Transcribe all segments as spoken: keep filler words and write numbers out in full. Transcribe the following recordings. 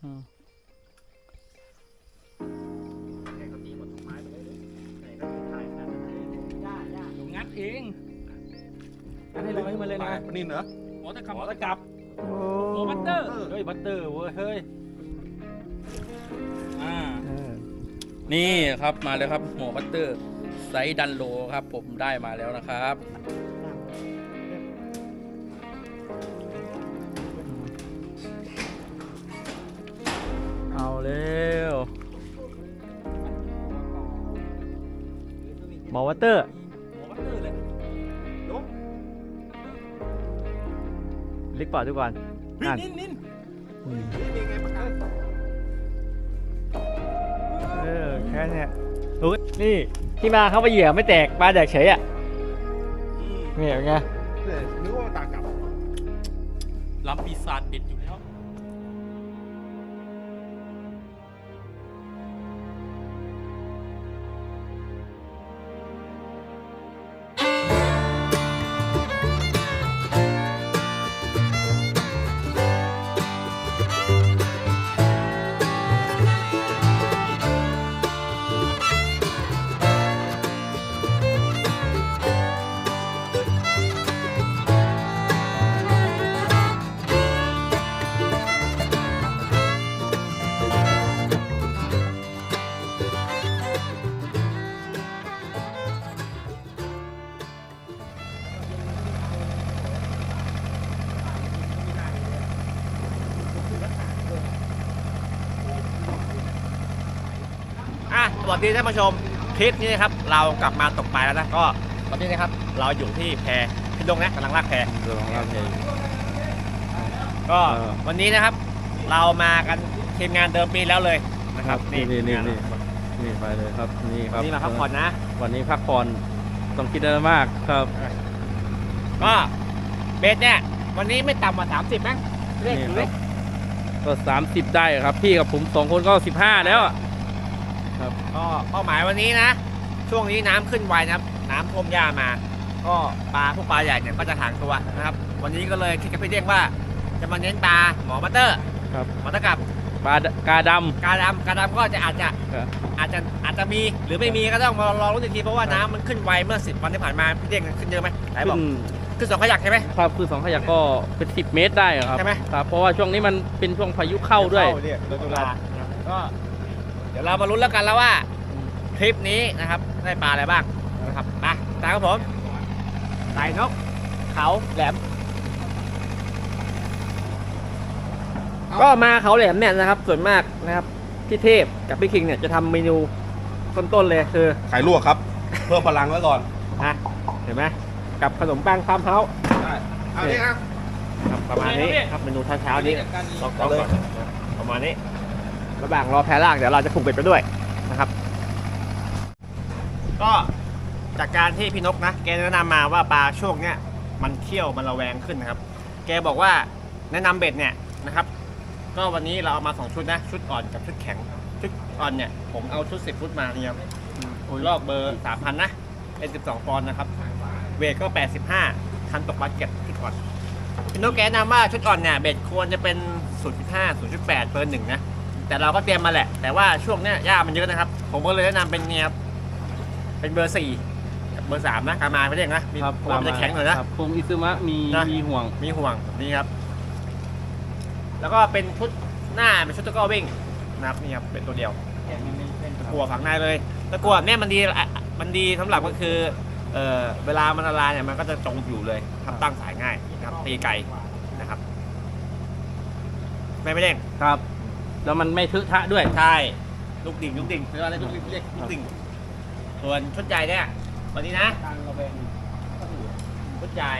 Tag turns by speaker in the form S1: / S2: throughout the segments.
S1: งัดเองงัดให้ลอยมาเลยนะ
S2: ปนินเหรอ
S1: หมอตะกับหมอตะกับหมอบัตเตอร์เฮ้ยบัตเตอร์เว้ยเฮ้ยอ่านี่ครับมาเลยครับหมอบัตเตอร์ไซส์ดันโลครับผมได้มาแล้วนะครับเอาเร็ว
S3: หมอวัตเตอร์
S1: หมอบัตเตอร์เลยลุก
S3: เล็กปอดดูก่อน
S1: นินนินนิน
S3: เออแค่นี้อุ๊ยนี่ที่มาเข้าไปเหยื่อไม่แตกปลาแดกเฉยอ่ะนี่เป็นไง
S2: นึกว่าตากับ
S1: ลำปีศาจเด็ดอยู่แล้ว
S3: สวัสดีท่านผู้ชมคลิปนี้นะครับเรากลับมาตกปลาแล้วนะก็ตอนนี้นะครับเราอยู่ที่แพพี่ดงนะกำลังลากแพกำลังลากแพก็วันนี้นะครับเรามากันทีมงานเดิมปีแล้วเลยนะครับ
S2: นี่นี่นี่นี่นี่ไปเลยครับนี่ครับ
S3: นี่มาพักผ่อนนะ
S2: วันนี้พักผ่อนต้องคิดอะไรมากครับ
S3: ก็เบสเนี่ยวันนี้ไม่ต่ำกว่าสามสิบมั้งเลขเลข
S2: ก็สามสิบได้ครับพี่กับผมสองคนก็สิบห้าแล้ว
S3: ครับก็เป้าหมายวันนี้นะช่วงนี้น้ำขึ้นไวนะครับน้ำท่วมหญ้ามาก็ปลาพวกปลาใหญ่เนี่ยก็จะห่างตัวนะครับวันนี้ก็เลยคิดกับพี่เด้งว่าจะมาเน้นปลาหมอบัตเตอร์
S2: ครับ
S3: หมอตะกับ
S2: ปลากาดำ
S3: กาดำกาดำก็จะอาจจะอาจจะอาจจะมีหรือไม่มีก็ต้องมารอรุ้นอีกทีเพราะว่าน้ำมันขึ้นไวเมื่อสิบวันที่ผ่านมาพี่เด้งขึ้นเยอะไหมไหนบอกคือสองขยักใช่ไหม
S2: ครับคือสองขยักก็เป็นสิบเมตรได้ครับ
S3: ใช่ไหม
S2: ครับเพราะว่าช่วงนี้มันเป็นช่วงพายุเข้าด้วย
S3: ตุลาก็เดี๋ยวเรามาลุ้นแล้วกันแล้วว่าคลิปนี้นะครับได้ปลาอะไรบ้างนะครับมาตามครับผมไต่นกเขาแหลมก็มาเขาแหลมเนี่ยนะครับส่วนมากนะครับพี่เทพกับพี่คิงเนี่ยจะทำเมนูต้นๆเลยคือ
S2: ไข่ลวกครับเพิ่มพลังไว้ก่อน
S3: นะเห็นไหมกับขนมปังฟาร์มเฮาส์
S2: เอาดิครับ
S3: ประมาณนี้ครับเมนูเช้าๆนี้ลองก่อนประมาณนี้ระหว่างรอแพร่ล่างเดี๋ยวเราจะผูกเบ็ดไปด้วยนะครับก็จากการที่พี่นกนะแกแนะนำมาว่าปลาช่วงเนี้ยมันเขี้ยวมันระแวงขึ้นนะครับแกบอกว่าแนะนำเบ็ดเนี่ยนะครับก็วันนี้เราเอามาสองชุดนะชุดอ่อนกับชุดแข็งชุดอ่อนเนี่ยผมเอาชุดสิบฟุตมาเนี่ยโอ้ยลอกเบอร์สามพันนะเป็นสิบสองปอนด์นะครับเวทก็แปดสิบห้าคันตกปลาเก็บชุดอ่อนพี่นกแกแนะนำว่าชุดอ่อนเนี่ยเบ็ดควรจะเป็นศูนย์จุดห้า ศูนย์จุดแปดเบอร์หนึ่งนะแต่เราก็เตรียมมาแหละแต่ว่าช่วงเนี้ยหญ้ามันเยอะนะครับผมก็เลยแนะนำเป็นเนี่ยเป็นเบอร์สี่เบอร์สามนะกามาไม่ได้นะมีความจะแข็งหน่อยนะ
S2: คงอิซึมะมีมีห่วง
S3: มีห่วงนี่ครับแล้วก็เป็นชุดหน้าเป็นชุดตะกั่ววิ่งนะครับนี่ครับเป็นตัวเดียวตะกั่วฝังในเลยตะกั่วเนี่ยมันดีมันดีสำหรับก็คือเอ่อเวลามันละลายเนี่ยมันก็จะจมอยู่เลยทำตั้งสายง่ายนะครับตีไก่นะครับไม่ไม่เด้ง
S2: ครับแล้วมันไม่ทึกทะด้วย
S3: ใช่ลูกดิ่งลูกดิ่งเรียกอะไรลูกดิ่งเรียกลูกดิ่งส่วนชุดใหญ่เนี่ยวันนี้นะชุดใหญ่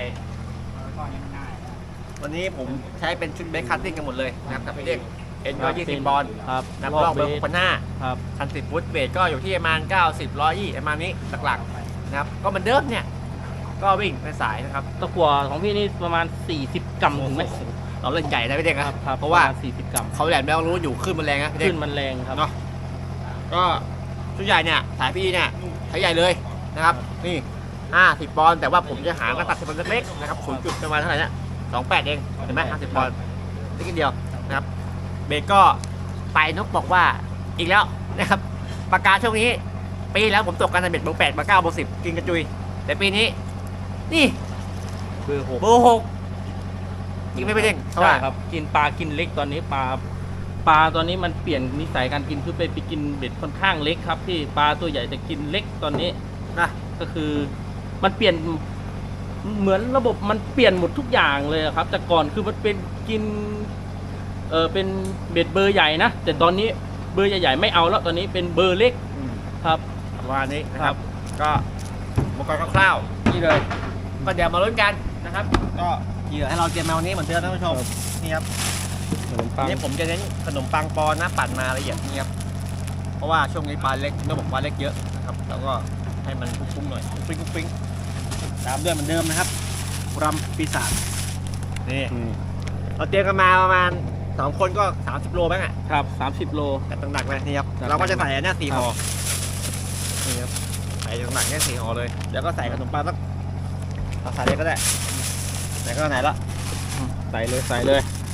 S3: วันนี้ผมใช้เป็นชุดเบคคัตติ้งกันหมดเลยนะครับกับพี่เด็กเอ็นก็ยี่สิบบอลนับรอบเบอร์หกพันห้าคันสิบฟุตเวทก็อยู่ที่ประมาณเก้าสิบร้อยยี่ประมาณนี้หลักๆนะครับก็มันเดิมเนี่ยก็วิ่งในสายนะครับ
S2: ตะกั่วของพี่นี่ประมาณสี่สิบกรัมถึงไหม
S3: เราเล่นใหญ่นะพี่เด็กครับ
S2: เพราะว่าสี่สิบกรัม
S3: เขาแหลมแล้วรู้อยู่ขึ้นมันแรงนะพี่เด็ก
S2: ขึ้นมันแรงครับ
S3: เนาะก็ชุดใหญ่เนี่ยสายพี่เนี่ยใช้ใหญ่เลยนะครับนี่ห้าสิบปอนด์แต่ว่าผมจะหากระตัดสิบปอนด์เล็กๆนะครับศูนย์จุดประมาณเท่าไหร่เนี่ยสองแปดเองเห็นไหมห้าสิบปอนด์นิดเดียวนะครับเบรกก็ไปนกบอกว่าอีกแล้วนะครับปากกาช่วงนี้ปีแล้วผมตกกันในเบ็ดเบอร์แปดเบอร์เก้าเบอร์สิบกินกระจุยแต่ปีนี้นี่
S2: เบอร์หก
S3: เบอร์หกกินไม่ไปเด้ง
S2: ใช่ครับกินปลากินเล็กตอนนี้ปลาปลาตอนนี้มันเปลี่ยนนิสัยการกินคือไปไปกินเบ็ดค่อนข้างเล็กครับที่ปลาตัวใหญ่จะกินเล็กตอนนี้
S3: นะ
S2: ก็คือมันเปลี่ยนเหมือนระบบมันเปลี่ยนหมดทุกอย่างเลยครับแต่ก่อนคือมันเป็นกินเออเป็นเบ็ดเบอร์ใหญ่นะแต่ตอนนี้เบอร์ใหญ่ๆไม่เอาแล้วตอนนี้เป็นเบอร์เล็กครับ
S3: ประมาณนี้นะครับก็อุปกรณ์คร่าวๆนี่เลยก็เดี๋ยวมาลุ้นกันนะครับก็เหยื่อให้เราเตรียมมาวันนี้เหมือนเดิมท่านผู้ชมนี่ครับ
S2: ขนมปัง
S3: นี่ผมจะเน้นขนมปังปอนนะปั่นมาละเอียดนี่ครับเพราะว่าช่วงนี้ปลาเล็กต้องบอกปลาเล็กเยอะนะครับแล้วก็ให้มันฟุ้งๆหน่อยฟุ้งๆฟุ้งๆตามด้วยเหมือนเดิมนะครับรำปีศาจนี่
S2: อืม
S3: เราเตรียมกันมาประมาณสองคนก็สามสิบโลบ้างอ่ะ
S2: ครับสามสิบโล
S3: แต่หนักๆเลยนี่ครับ
S2: จัด
S3: เราก็จะใส่อันเนี้ยสี่
S2: ครับ
S3: ห่อนี่ครับใส่หนักๆเนี่ยสี่ห่อเลยแล้วก็ใส่ขนมปังสักเอาใส่เลยก็ได้ไหนก็ไหนละ
S2: ใส่เลยใส่เลย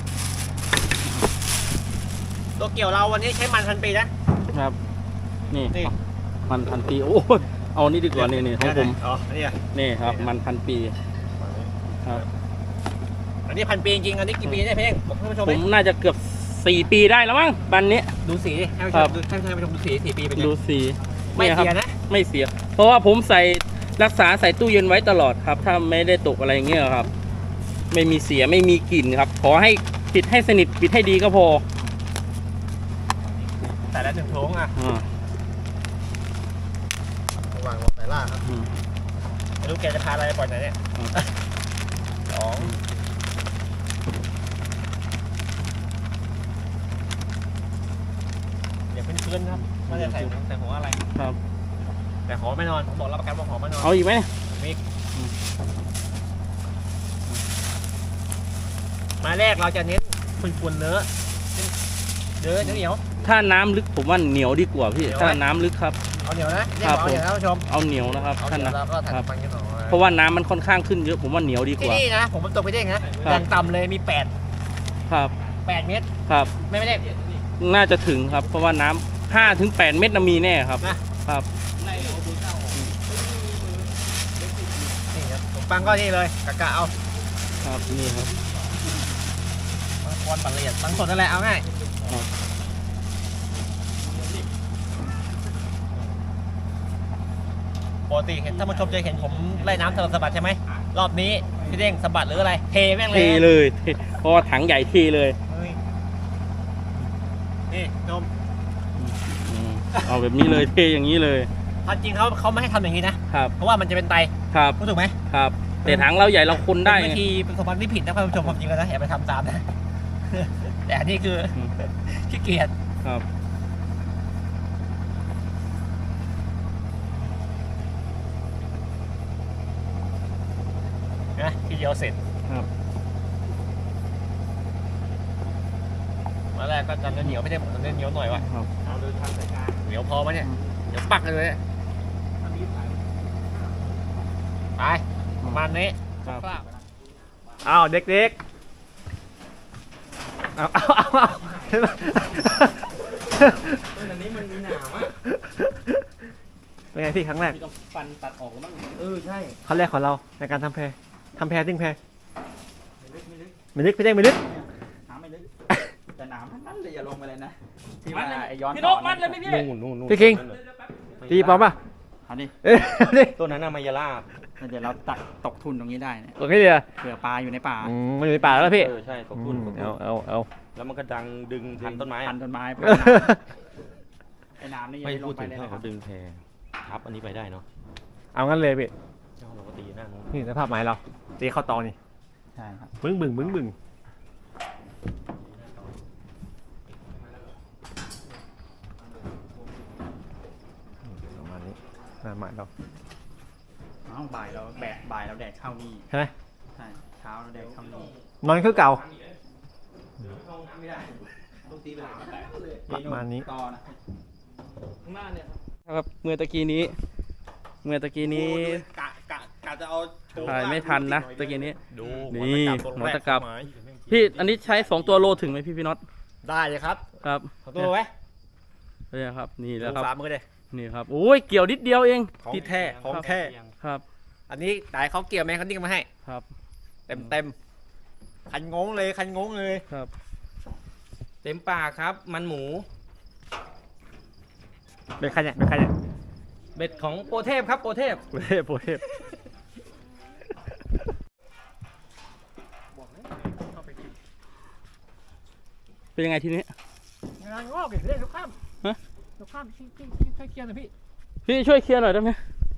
S3: ตัวเกี่ยวเราวันนี้ใช้มันพันปีนะครับ
S2: นี่
S3: นี่
S2: มันพันปีโอ้ยเอานี่ดีกว่านี่นี่ของผม
S3: อ๋ออันนี้อ่ะ
S2: นี่ครับมันพันปีครับ
S3: อันนี้พันปีจริงๆอันนี้กี่ปีเนี่ยเพ่งบอกท่านผู้ชม
S2: ผมน่าจะเกือบสี่ปีได้แล้วมั้งปันนี้
S3: ดูสีดิให้ผู้ช
S2: ครั
S3: ม
S2: บ
S3: ดูให้ท่านผู้ชมดูสีสี่ปีเป็นไง
S2: ดูสี
S3: ไม่
S2: นี่ครับ
S3: เสียนะ
S2: ไม่เสีย เพราะว่าผมใส่รักษาใส่ตู้เย็นไว้ตลอดครับ ถ้าไม่ได้ตกอะไรอย่างเงี้ยครับ ไม่มีเสียไม่มีกลิ่นครับ ขอให้ปิดให้สนิทปิดให้ดีก็พอ
S3: แต่ละหนึ่งโถงอ่ะ
S2: อ่า
S3: ระหว่างรอสายล่าครับ
S2: อืม
S3: ไม่รู้แกจะพาอะไรไปปล่อยไหนเนี่ย
S2: อืม
S3: สองเดี๋ยวพื้นๆครับไม่ได้ใส่ใส่หัวอะไร
S2: ครับ
S3: แต่หอมไม่นอนผมบอกรับประกันว่าหอมไม่นอน
S2: เอาอีกไหม
S3: มิกมาแรกเราจะเน้นฝุ่นๆเนื้อเนื้อเหนียว
S2: ถ้าน้ำลึกผมว่าเหนียวดีกว่าพี่
S3: เหนียวไหม
S2: ถ้าน้ำลึกครับ
S3: เอาเหนียวนะเรียก
S2: ครับ
S3: เอาเหนียวนะท่านผู้ชม
S2: เอาเหนียวนะครับ
S3: เอาเห
S2: ท่าน
S3: นียว
S2: นะ
S3: แล้วก็ถัด
S2: ครับ
S3: ฟังกันหน่อย
S2: เพราะว่าน้ำมันค่อนข้างขึ้นเยอะผมว่าเหนียวดีก
S3: ที่
S2: ว่า
S3: นี่นะผมมันตกไปได้ไงนะครับ อย่างต่ำเลยมีแปด
S2: ครับ
S3: แปดเมตร
S2: ครับ
S3: ไม่ไม่ได้
S2: น่าจะถึงครับ เพราะว่าน้ำห้าถึงแปดเม็ดน่ะมีแน่ครับ
S3: นะครับ นี่ครับผมฟังก็นี่เลยกะกะเอา
S2: ครับนี่ครับ
S3: บางคนปั่นละเอียดบางส่วนนั่นแหละเอาง่าย
S2: ครับ
S3: ปกติเห็นท่านผู้ชมจะเห็นผมไล่น้ำสลับสะบัดใช่ไหมรอบนี้พี่เด้งสะบัดหรืออะไรเทแม่งเล
S2: เท
S3: ย
S2: เลยเทเพราะว่าถังใหญ่เทเลย
S3: เฮ้ยนี่ชม
S2: อืมเอาแบบนี้เลยเทอย่างนี้เลย
S3: ความจริงเขาเขาไม่ให้ทำอย่างนี้นะครับ เพราะว่ามันจะเป็นไต
S2: ครับ
S3: รู้ถูกไหม
S2: ครับ แต่ถังเราใหญ่เราคนได้
S3: เป็นวิธีเป็นสมบัติที่ผิดนะท่านผู้ชมความจริงแล้วนะอย่าไปทำตามนะ แต่อันนี้คือ
S2: อืม
S3: ขี้เกียจ
S2: ครับ
S3: นะทีเดียวเสร็จ
S2: ครับ
S3: มาแรกก็จำเนื้อเหนียวไม่ได้ผมจำเนื้อเหนียวหน่อยวะ
S2: ครับ
S3: เหนียวพอไหมเนี่ยเดี๋ยวปักเลยเนี่ยไปประมาณนี้
S2: ครับ
S3: อ้าวเด็กๆเอาเอาเอาเอา
S2: อันนี้มันมีหนามอ่ะ
S3: เป็นไงพี่ครั้งแรก
S2: มีต้องฟันตัดออกแล้วมั้งเออใช่
S3: ครั้งแรกของเราในการทำแพทำแพดิ้งแพ
S2: ไม่ลึกไม่ลึก
S3: ไม่ลึกพี่เด้งไม่ลึก
S2: น้ำไม่ลึก
S4: แต่หนามทั้งนั้นเลยอย่าลงไปเลยนะที่
S2: มั
S4: ว่า
S2: ดเลย
S4: ไอ้ย้อน
S2: พี่นกมัดเลยไหมพี่
S5: นู่นนู่นนู่น
S3: พี่คิงตีปลอมป่ะ
S4: เอาดิ
S3: เอ้ยเอาดิ
S5: ตัวนั้นน่ะมายาลาบ
S4: แล้วเดี๋ยวเราตักตกทุนตรงนี้ได้เนี่ย
S3: โอเคเดียว
S4: เผื่อปลาอยู่ในป่า
S3: อืมมันอยู่ในป่าแล้วพี่
S5: เออใช่ตกทุ่นตก
S3: เอา
S5: ทุ่น
S3: เอาเอา
S5: แล้วมันก็ดังดึงพันต้นไม้
S4: พั
S5: อะ
S4: นต้นไม้ไปไอ้น้ำนี่ยัง
S5: ไม่
S4: ไม่ล
S5: พู
S4: ง
S5: ด
S4: ไป
S5: ถึง
S4: เลย
S5: ถ้า
S4: นะครั
S5: เขา
S4: บ
S5: ดึงแพทับอันนี้ไปได้เนาะ
S3: เอางั้นเลยพี่
S5: เจ้าเราก็ตีหน้านู้น
S3: นี่สภาพไม้เราตีเข้าตอนี่
S4: ใช่ครับ
S3: บึ้งบึ้งบึ้งบึ้งประมาณนี้หน้าไม้เรา
S4: อ้าวบ่ายเราแบกบ่ายเราแดดเข้านี่
S3: ใช่ไหม
S4: ใช่เช้าเราแดดเข้านี่
S3: นอนคือเก่า
S4: ไม่ได้ลูกตีไปหาแตกเลย
S3: ประมาณนี้
S4: ต่อนะ
S2: ข้างหน้าเนี่ยครับเมื่อตะกี้นี้ เมื่อตะกี้นี้
S3: กะกะกะจะเอาโชว์
S2: ถ่ายไม่ทันนะตะกี้นี้
S5: ดู
S2: นี่หัวตะกรับ พี่อันนี้ใช้สองตัวโลถึงไหมพี่พี่น็อต
S3: ได้เลยครับ
S2: ครับ
S3: ขอตัวไว้
S2: เนี่ยครับนี่แหล้วค
S3: ฝา
S2: รับ
S3: มือเลย
S2: นี่ครับโอ้ยเกี่ยวนิดเดียวเอง
S3: ของ
S2: ติด
S3: แท้ของแท้
S2: ครับ
S3: อันนี้ได้เขาเกี่ยวไหมเขาดิ้งมาให้
S2: ครับ
S3: เต็มเต็มคันงงเลยคันงงเลย
S2: ครับ
S5: เต็มปากครับ มันหมู
S3: เป็นคันเนี่ยเป็นคันเนี่ย
S5: เบ็ดของโปรเทพครับโปรเทพ
S2: โปรเทพโปรเทพเป็นยังไงทีนี้
S3: งานงอกอีกเลยลูกข้าม
S2: ฮะ
S3: ลูกข้ามที่ที่ที่ช่วยเคลียร์หน่อยพี่
S2: พี่ช่วยเคลียร์หน่อยได้ไหม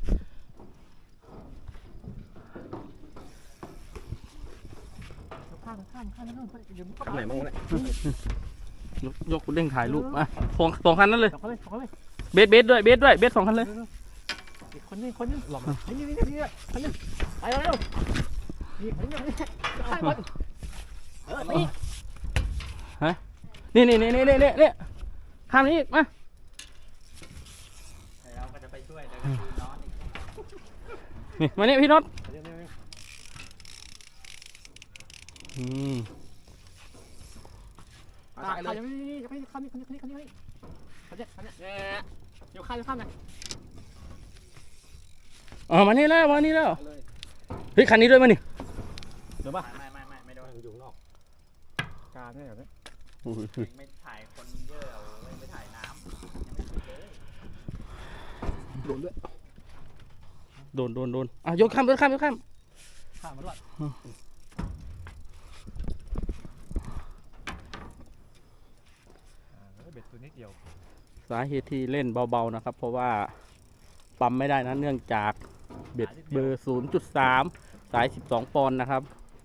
S3: ลูกข้ามลูกข้ามข้ามข้ามเดี๋ยวมันเข้า
S5: ไหนมั่งเนี่ย
S2: ยกยกเด้งถ่ายรูปอ่ะสองสองคันนั้นเลย
S3: สองคนเลยสองคนเลย
S2: เบสเบสด้วยเบสด้วยเบสสองคันเลย
S3: อีกคนนึงคนนึงหลบนี่นี่นี่นี่คนนึงไปเร็วนี่คนนึงนี่ข้ามคนเออนี่
S2: ฮะนี่นี่นี่นี่นี่นี่ข้ามนี้อีกมา
S4: เราก็จะไปช่วยแต่ก็คือนอนอีก
S2: นี่มานี่พี่น็อตอืม
S3: ตายเลยนี่นี่นี่ข้ามนี่คนนี้คนนี้คนนี้คนนี้คนนี้คนนี้เนี่ยเดี๋ยวข้ามเดี๋ยวข้ามนะ
S2: อ๋อมานี่แล้วมานี่แล้วเฮ้ยคันนี้ด้วยมานี่
S3: เดี๋ยวป่ะ
S4: ไม่ไม่ไม่ไม่โดน
S5: อยู่นอก
S3: การเนี่ยแบบนี้
S2: โอ้ย
S4: ไม่ถ่ายคนเยอะเอาเลยไม่ถ่ายน้ำยังไม่ขึ้นเลย
S3: โดนด้วย
S2: โดนโดนโดนอ่ะยกข้ามยกข้ามยกข้าม
S3: ข้ามมาด้วยเบ็ดตัวนิดเดียว
S2: สาเหตุที่เล่นเบาๆนะครับ เพราะว่าปั๊มไม่ได้นะเนื่องจากเบ็ดเบอร์ ศูนย์จุดสาม สาย สิบสอง ปอนด์นะครับ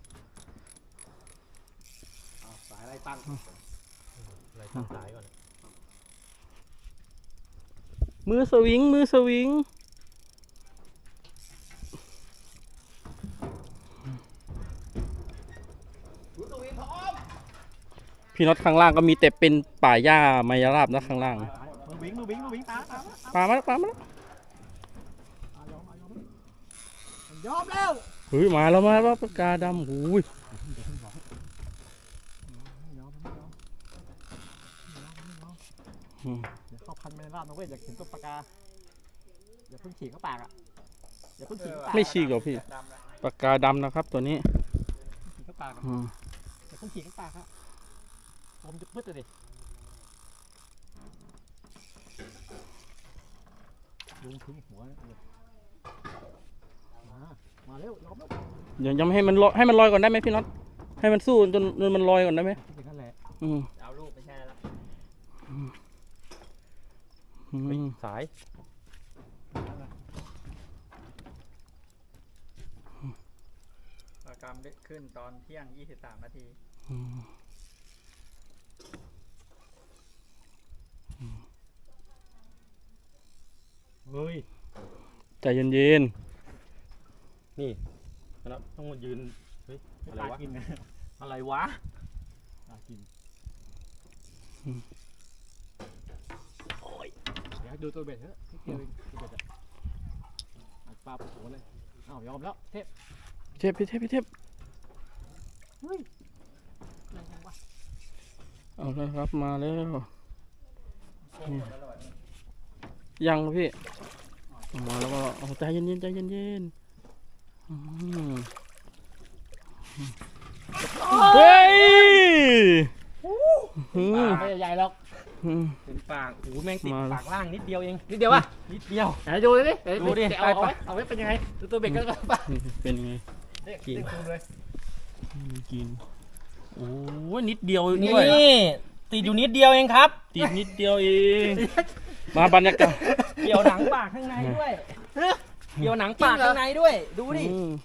S3: สายอะไรตั้ง
S5: อะไรตั้งสายก่อน
S2: มือสวิงมือสวิงพี่น็อตข้างล่างก็มีแต่เป็นป่าหญ้ามายราบนะข้างล่าง
S3: มือวิ่งมือวิ่งมือวิ่งตาตา
S2: ปลามาแล้วปลามาแล้ว
S3: ยอมยอมยอมแล้ว
S2: เฮ้ยมาแล้วมาแล้วปากกาดำหูย
S3: ยอมยอม
S2: อืม
S3: เดี๋ยวเข้าพันไม่ราบนะเว้ยอยากเห็นตัวปากกาอย่าเพิ่งฉีกเข้าปากอ่ะอย่าเพิ่งฉีกเข้าปาก
S2: ไม่ฉีกหรอกพี่ปากกาดำนะครับตัวนี้
S3: ฉีกเข้าปาก
S2: อืม
S3: อย่าเพิ่งฉีกเข้าปากครับผมจะพึ่งเลยลุงทิ้งหัวมามาเร็วยอมแล้ว
S2: เดี๋ยวยังไม่ให้มันลอยให้มันลอยก่อนได้ไหมพี่น็อตให้มันสู้จนจนมันลอยก่อนได้ไหม
S3: อย่างนั้นแหละ
S2: อืม
S4: เอารูปไม่ใช่แล้ว
S2: อืม
S5: สาย
S4: ประกรรมขึ้นตอนเที่ยงยี่สิบสามนาที
S2: อืม
S5: เฮ้ย
S2: ใจเย็น
S5: นี่นะครับต้องมายืนเฮ้ยอะไรวะ
S3: กินนะ
S5: อะไรวะ
S3: ปลากินโอ้ยเดี๋ยวดูตัวเบ็ดเถอะนิดเดียวเองตัวเบ็ดอะปลาปวดหัวเลยอ้าวยอมแล้วเทพ
S2: ๆเทพพี่เทพพี่เทพ
S3: เฮ้ยอะไรกันวะ
S2: เอาแล้วครับมาแล้วนี่ยังครับพี่มาแล้วก็เอาใจเย็นๆใจเย็นๆอืมเฮ้ยอืม
S3: ไม่ใหญ่หรอก
S2: อืม
S5: เต็มปากโอ้โหแม่งติด
S2: มาแล้ว
S5: ปากล่างนิดเดียวเอง
S3: นิดเดียววะ
S5: นิดเดียว
S3: ไหนดูดิ
S5: ดูดิ
S3: เอาเอาไว้เอาไว้เป็นยังไงดูตัวเบ็ดกันก่อนป่ะ
S2: นี่เป็นไง
S3: เด็กเด็กดูเลย
S2: กินโอ้ยนิดเดียว
S5: นี่
S2: ด้วย
S5: ติดอยู่นิดเดียวเองครับ
S2: ติดนิดเดียวเองมาบรรยากาศ
S5: เกี่ยวหนังปากข้างในด้วยเกี่ยวหนังปากข้างในด้วย ดูดิ
S2: อืม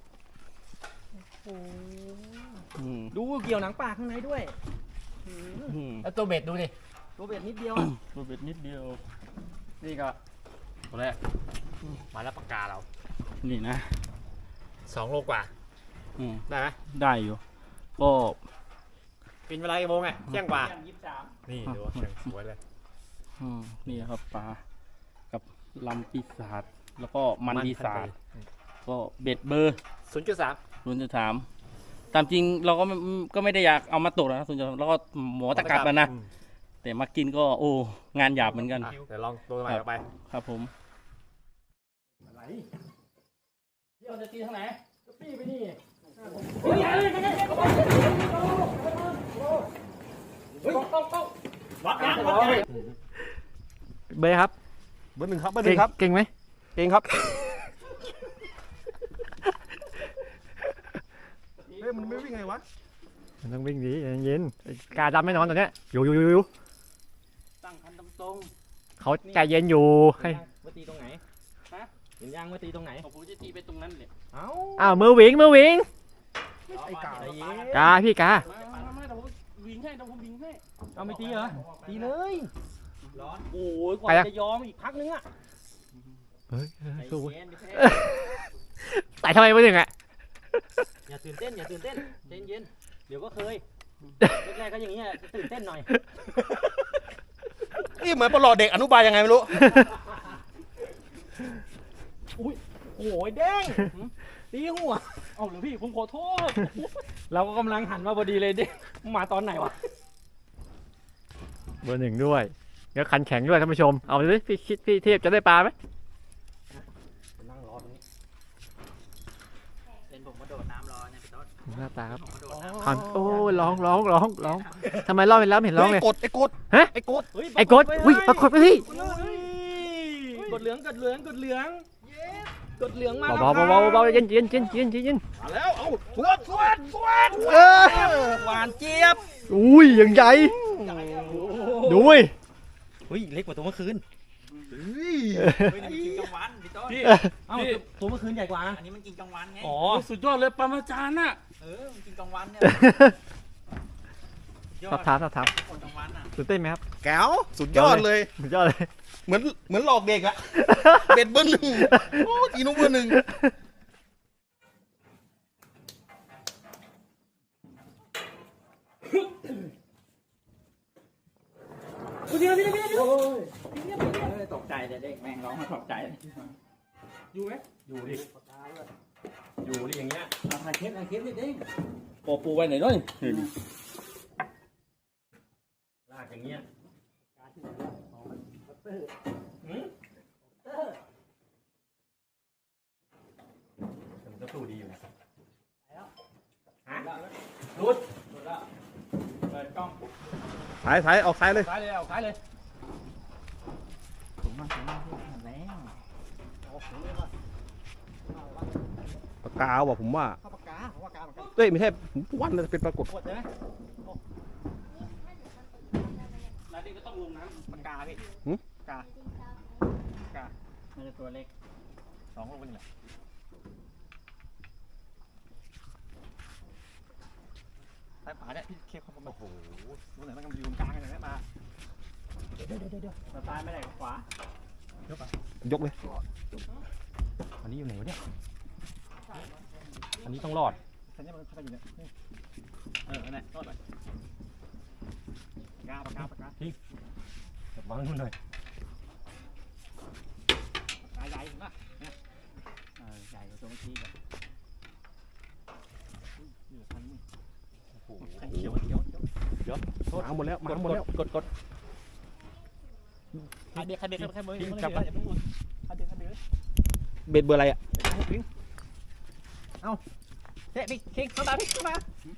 S2: อืม
S5: ดูเกี่ยวหนังปากข้างในด้วย
S2: อืม
S3: แล้วตัวเบ็ดดูดิ
S5: ตัวเบ็ดนิดเดียว
S2: ตัวเบ็ดนิดเดียว
S3: นี่ก็ตัวแรกมาแล้วปากกาเรา
S2: นี่นะ
S3: สองโลกว่า
S2: อืม
S3: ได้ไหม
S2: ได้อยู่ ก็
S3: เป็นเวลากี่โมงอ่ะเที่ยงกว่า
S4: เที่ยงยี่สิบสาม
S3: นี่ดูว่าเที่ยงสวยเลย
S2: อืมนี่ครับปลากับลำปีศาจแล้วก็มันปีศาจก็เบ็ดเบอร์
S3: ศูนย์จุดสาม
S2: รุ่นจะถามตามจริงเราก็ไม่ก็ไม่ได้อยากเอามาตกนะส่วนใหญ่เราก็หมอตะกรับแล้วนะ
S3: อืม
S2: แต่มากินก็โอ้งานหยาบเหมือนกัน
S3: อ่ะเดี๋ยวลองตัวใหม่ออกไป
S2: ครับผมเดี๋ยวจะตีทางไหนตีไปนี่วัดยางวัดยาง
S5: เบย์ครับ
S3: เบอร์หนึ่งครับเบอร์หนึ่งครับ
S5: เก่งไหม
S3: เองครับเฮ้ยมันไม่วิ่งไงวะ
S5: มันต้องวิ่งดีเย็นๆกาดำไม่นอนตอนเนี้ยอยู่อยู่อยู่อยู่
S2: ตั้งคันตรง
S5: เขาใจเย็นอยู่ให้
S4: มาตีตรงไหน
S2: ฮะ
S4: เห็นยางมาตีตรงไหน
S2: ๆผมจะตีไปตรงนั้นเลย
S4: เอ้า
S5: อ้าวมือวิ่งมือวิ่ง
S4: ไอ้กาใจเย็น
S5: กาพี่กา
S2: มามามาเดี๋ยวผมวิ่งให้เดี๋ยวผมวิ่งให้
S4: เอาไม่ตีเหรอ ตีเลย ร้อน
S2: โอ้ยกว่าจะยอมอีกพักนึงอ่ะ
S5: เฮ้ย
S4: ใจ
S5: สู้
S4: เย็นไม่ใช่
S5: แต่ทำไมไม่ถึงอ่ะ
S4: อย่าตื่นเต้นอย่าตื่นเต้นใจเย็นเดี๋ยวก็เคยแรกๆก็อย่างเงี้ยตื่นเต้นหน่อย
S3: นี่เหมือนประหลอดเด็กอนุบาลยังไงไม่รู้
S4: โอ้ยเด้งตีหัว
S2: เอาหรือพี่ผมขอโทษ
S4: เราก็กำลังหันมาพอดีเลยเด้งมาตอนไหนวะ
S5: เบอร์หนึ่งด้วยเดี๋ยวคันแข็งด้วยท่านผู้ชมเอาดิพี่คิดพี่เทพจะได้ปลาไหม
S4: นั่งรอตรงนี้เป็นผมมาโดดน้ำรอเนี่ยพี่ต้น
S5: หน้าตาครับ
S4: ผมมาโดดน้ำ
S5: คันโอ้ยร้องร้องร้องร้องทำไมร้องเห็นแล้วไม่เห็นร้องเลย
S3: กดไอ้กด
S5: ฮะ
S3: ไอ้กด
S5: ไอ้กดอุ้ยปรากฏไปพี่
S4: กดเหลืองกดเหลืองกดเหลืองกดเหลืองมา
S5: เบาเบาเบาเบาเย็นเย็นเย็นเย็นเย็น
S3: มาแล้วเอาสวดสวดสวด
S5: เออ
S4: หวานเจี๊ยบ
S5: อุ้ยอย่างใหญ่ดูเว้ย
S4: เฮ้ยเล็กกว่าตัวเมื่อคืน
S3: เฮ้ย
S6: เฮ้ยนี่มันกินกลางวันพี่ต้น
S2: พี่
S4: เอ้าตัวเมื่อคืนใหญ่กว่านะ
S6: อันนี้มันกินกลางวันไง
S2: อ๋อสุดยอดเลยปรมาจารย์น่ะ
S6: เออ มันกินกลางวันเนี่ยย
S5: สอบถามสอบถาม
S6: คนกลางวันอ่ะ
S5: ตื่นเต้นไหมครับ
S3: แก้วสุดยอดเลย
S5: สุดยอดเลย
S3: เหมือนเหมือนหลอกเด็กอะ เบ็ดเบอร์หนึ่งโอ้ตีนุ๊กเบอร์หนึ่ง
S6: ตกใจเลยเด็กแม่งร้องมาตกใจเลย
S2: อยู่ไหม
S3: อยู่ดิ อยู่ดิอย่างเงี้ย
S6: เอาถ่ายคลิปถ่ายคลิปนิดนึง
S2: ปอปูไว้ไหนด้วย
S3: ลากอย่างเงี้ย มันก็สู้ดีอยู่นะ
S2: รุดรุดแล้วเปิดกล้อง
S3: ซ้ายซ้ายออกซ้ายเลย
S2: ซ้ายเลยเอาซ้ายเลย
S6: สูงมากสูงมากพี่หันแล้ว
S3: ปากกาว่ะผมว่า
S4: ข้าวปากกาข้าวปากกาเหมือนกัน
S3: เอ้ยไม่ใช่ผมวันเลยเป็นปรากฏ
S4: กดใช่ไหม
S2: แล้วนี่ก็ต้องลงน้ำ
S4: ปากกาพี่
S3: หึ
S4: ปากกาปากกามันจะตัวเล็กสองลูกเป็นไงซ้ายขวาเนี่ยพี่เคลียร์ความโอ้โหรู้ไหนมันกำลังอยู่ตรงกลางเลยนะมาเดี๋ยวเดี๋ยวเดี๋ยวเดี๋ยวซ้ายไม่ได้ขวาย
S3: กเลย
S4: อันนี้อยู่ไหนวะเนี่ยอันนี้ต้องรอดอันนี้มันเข้าไปอยู่เนี่ยเออเนี่ยรอดเลยปากกาปากกาปากกาทิ้งวางนู่นหน่อยใหญ่ใหญ่เห็นป่ะเนี่ยเออใหญ่กว่าตัวเมื่อกี้กับนี่คันนี้โอ้โหคันเขียวเขียวเขียว
S3: มาหมดแล้วมาหมดแล้ว
S4: กดกดใครเบรกใครเบรกใครเบรกใครเบรกอย่าเพิ่งวนใครเบรกใครเบรก
S3: เบ็ดเบอร์อะไรอะ
S4: เอาเตะพี่คิงเข้ามาพี่เข้ามา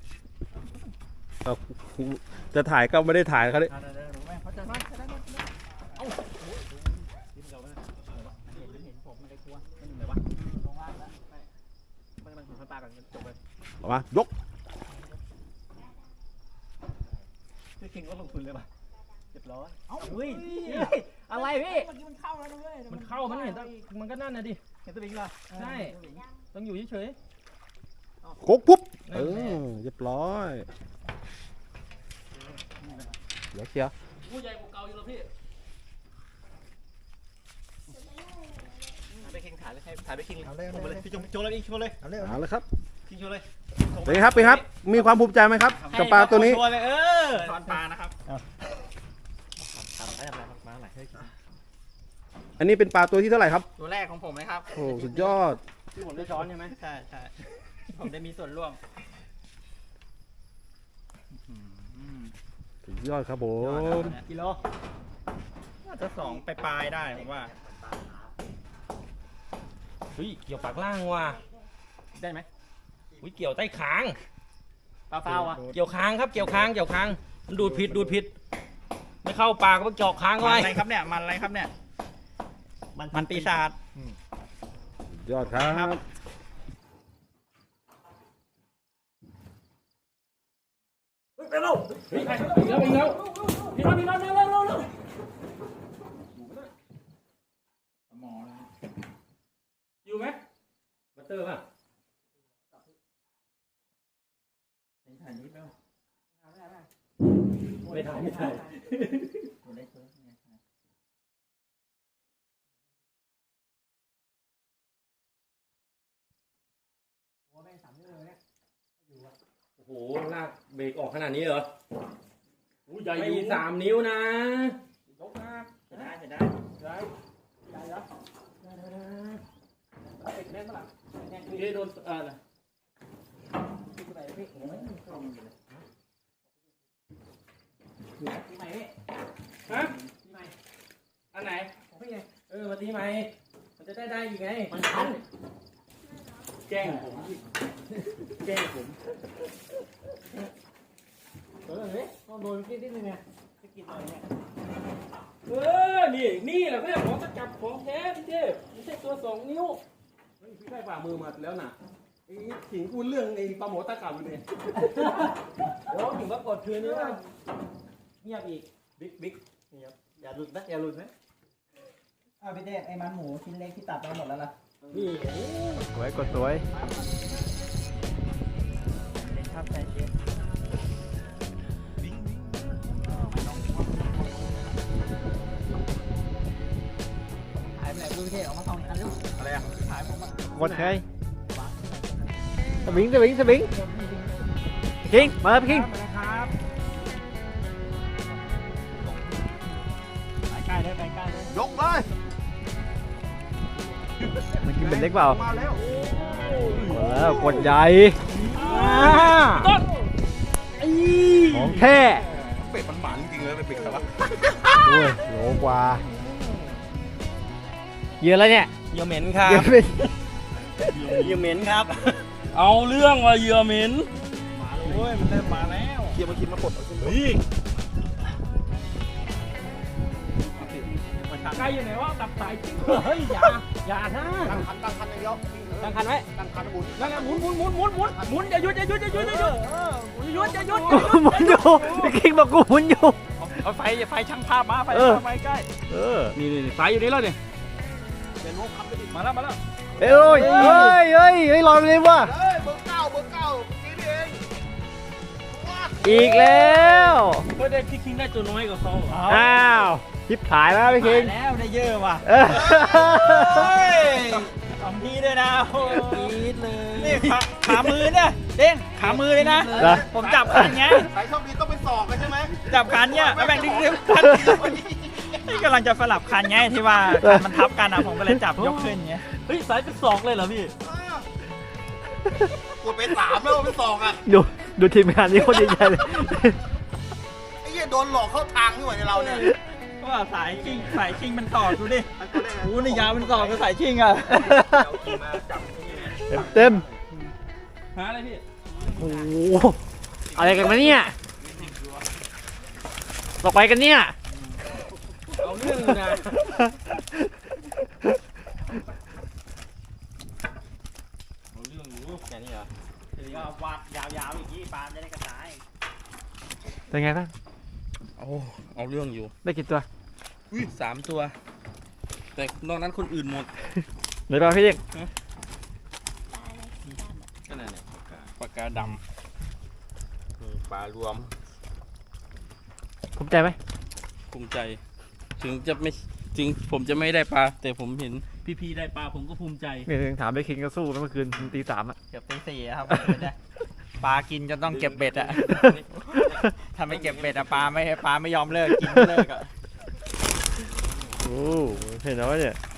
S3: จะถ่ายก็ไม่ได้ถ่ายเขาเลย
S4: เดี๋ยวเดี๋ยวรู้ไหมเขาจะมาจะได้มาเอ้าดิ้นเราเนี่ยเห็นเห็นผมมันเลยกลัวมันอยู่ไหนวะลงล่างแล้วมันมันมันปลากันจบเลย
S3: ออกมายก
S4: พี่คิงก็ลงทุนเลยป่ะเรียบร้อยเอ้าเฮ้ยอะไรพี่
S6: เมื่อกี้มันเข้าแล้วนะเว้ย
S4: มันเข้ามันเห็นมันก็นั่นนะดิเห็นตัวบิงป่ะใช่ต้องอยู่เฉย
S3: โคกปุ๊บเออเรียบร้อย เดี๋ยวเชียร์
S2: ผู้ใหญ่กว่าเก่าอยู่แล้วพี่
S4: ไปคิงถ่ายเลยให้ถ่ายไปคิงเลยลงไปเลยพี่จงโจเลยพี่โชว์เลย
S3: เอาเลยครับ
S4: คิงโชว์เลย
S3: เป็นไงครับเป็นไงครับ มีความภูมิใจไหมครับกับปลาตัวนี้
S4: โชว์เลยเออ
S6: ตอนปลานะครับ
S4: ทำอะไรทำอะไรมาไหน
S3: อันนี้เป็นปลาตัวที่เท่าไหร่ครับ
S6: ตัวแรกของผมเลยครับ
S3: โอ้สุดยอด
S4: ที่ผมได้ช้อนใช่ไหม
S6: ใช่ใช่ผมได้มีส่วนร่วม
S4: สุดยอดครับผม
S6: กิโลน่าจะสองไปปลายได้ผมว่า
S4: เฮ้ยเกี่ยวปากล่างว่ะ
S6: ได้ไหม
S4: เฮ้ยเกี่ยวใต้คาง
S6: เปล่าๆอ่ะ
S4: เกี่ยวคางครับเกี่ยวคางเกี่ยวคางมันดูดผิดดูดผิดไม่เข้าปากก็เจาะคาง
S6: มัน
S4: ไว้
S6: อะไรครับเนี่ยมันอะไรครับเนี่ยมันปีศาจ
S4: ยอดครับ
S2: อยู่ไหม
S4: บัตเตอร์ป่ะ ไม่ถ่ายไม่ถ่าย โอ้โหลากเบรกออกขนาดนี้เหรอ
S2: อู้ใหญ่
S4: ไม่
S2: อยู่
S4: สามนิ้วนะ
S2: ยกนะ
S6: จะได้จะได้
S2: ได้ได้แล้วได้ได้ได้ติดแน่นปะล่ะแน่นพี่โดนเออนะฮะอันไหนเออมาตีไหมมันจะได้ได้ยังไงมันทันแกล้งผมแกล้งผมเออเฮ้ยต้องโดนกินนิดนึงไงจะกินอะไรเนี่ยเออนี่นี่แหละเพื่อนของตะจับของแท้พี่เทพไม่ใช่ตัวสองนิ้วเฮ้ยพี่ได้ฝ่ามือมาแล้วนะไอ้ขิงกูเรื่องไอ้ปลาหมอตะกับอยู่เนี่ยเดี๋ยวถึงว่ากดคืนนี้ว่าเงียบอีกบิ๊กบิ๊กนี่ครับอย่าหลุดนะอย่าหลุดนะ
S5: อ้าวพี่เต้ไอ้มันหมูชิ้นเล็กที่ตัดไปหมดแล้วล่ะ
S2: นี่
S4: สวยกดสวย
S6: ครับใจเย็น
S5: หายไปไหนดูพี่เต้ออกมาสองอันลูก
S6: อะไรอ่ะ
S5: หายผมอ่ะ
S4: กดใครสวิงสวิงสวิงคิงมาพี่คิง
S6: ครับไปใกล้เลยไปใกล้เลย
S3: ยกเลย
S4: มันกินเป็นเล็กเปล่า
S3: มาแล้ว
S4: กดแล้วกดใหญ่
S2: ต้น
S4: ของแท้
S3: เป็ดมันหมันจริงเลยเป็ดครับ
S4: โอ้ยโหลกว่าเยอะแล้วเนี่ย
S6: เหยื่อเหม็นครับ
S4: เยอะเป็น
S6: เหยื่อเหม็นครับ
S2: เอาเรื่องว่าเหยื่อเหม็น
S6: โอ้ยมันเริ่มมาแล้ว
S3: เคี่ยวมาคิดมาปลด
S6: เฮ้ย
S2: ใครอยู่ไหนวะตับสายจิ้งเฮ้ยอย่าอย่านะ
S3: ตั้งคันตั้งคันอย่างเดียว
S2: ตั้งคันไว้
S3: ตั้งคันหมุน
S2: นั่นแหละหมุนหมุนหมุนหมุนหมุนหมุนอย่าหยุดอย่าหยุดอย่าหยุดอย่าหยุดอย่าหยุดอย่าหยุด
S4: กูหมุนอยู่พี่คิงบอกกูหมุนอยู่
S6: เอาไฟไฟช่างภาพมาไฟ
S4: เออ
S6: ไฟใกล้
S4: เออ
S2: นี่นี่สายอยู่นี่แล้วนี่
S3: เป็นลูกคันไปดิ
S2: มาแล้วมาแล้ว
S4: เอ้ยเฮ้ยเฮ้ยเฮ้ยรอเลยว่ะ
S3: เฮ้ยเบอร์เก้าเบอร์เก้านี่เอง
S4: อีกแล้ว
S2: ไม่ได้พี่คิงได้ตัวน้อยกว่าเขาเหรอ
S4: อ้าวทิปขายแล้วพี่คิง
S6: แล้วได้เยอะว่ะ
S4: เออ
S6: สองทีด้วยนะโอ้
S5: ปี๊ดเลย
S6: นี่ขาขามือเนี่ยเด้งขามือเลยนะ
S4: เหรอ
S6: ผมจับคันไง
S3: สายโชคดีต้องเป็นศอกกันใช่ไหม
S6: จับคันเนี่ยแล้วแบ่งดึงๆคันนี่กำลังจะสลับคันไงที่ว่าคันมันทับกันอ่ะผมก็เลยจับยกขึ้นไง
S2: เฮ้ยสายเป็นศอกเลยเหรอพี่
S3: กดไปสามแล้วเป็นศอกอ่ะ
S4: ดูดูทีมงานนี้คนใหญ่ๆเลย
S3: ไอ้เหี้ยโดนหลอกเข้าทางนี่หว่าในเราเนี่ย
S6: ก็ว่าสายชิงสายชิงมันต่อดูดิโอ้นี่ยาวมันต่อกับสายชิงอ่ะ
S4: เต็มเต็ม
S2: หาอะไรพี่
S4: โอ้โหอะไรกันมาเนี่ยตกไปกันเนี่ย
S2: เอาเรื่องอยู่นะ เอาเรื่องอยู่แค่นี้เหรอ
S6: ก็วาดยาวๆอย่างนี้ปลาจะได้กระจาย
S4: เป็นไงบ้าง
S1: เอาเอาเรื่องอยู่
S4: ได้กี่ตัว
S1: อุ้ยสามตัว แต่นอกนั้นคนอื่นหมด
S4: ไหนบ้างพี่เด็ก
S1: ก็นั่นแหละปากกาดำนี่ปลารวม
S4: ภูมิใจไหม
S1: ภูมิใจ ถึงจะไม่ถึงผมจะไม่ได้ปลา แต่ผมเห็นพี่ๆได้ปลาผมก็ภูมิใจ
S4: เนี่ยถามไปคิงก็สู้นะเมื่อคืนตีสามอ่ะ
S6: เกือบตีสี่ครับปลากินจนต้องเก็บเบ็ดอ่ะถ้าไม่เก็บเบ็ดอ่ะปลาไม่ปลาไม่ยอมเลิกกินไม่เลิกอ่ะ
S4: โอ้เห็นแล้วเนี่ย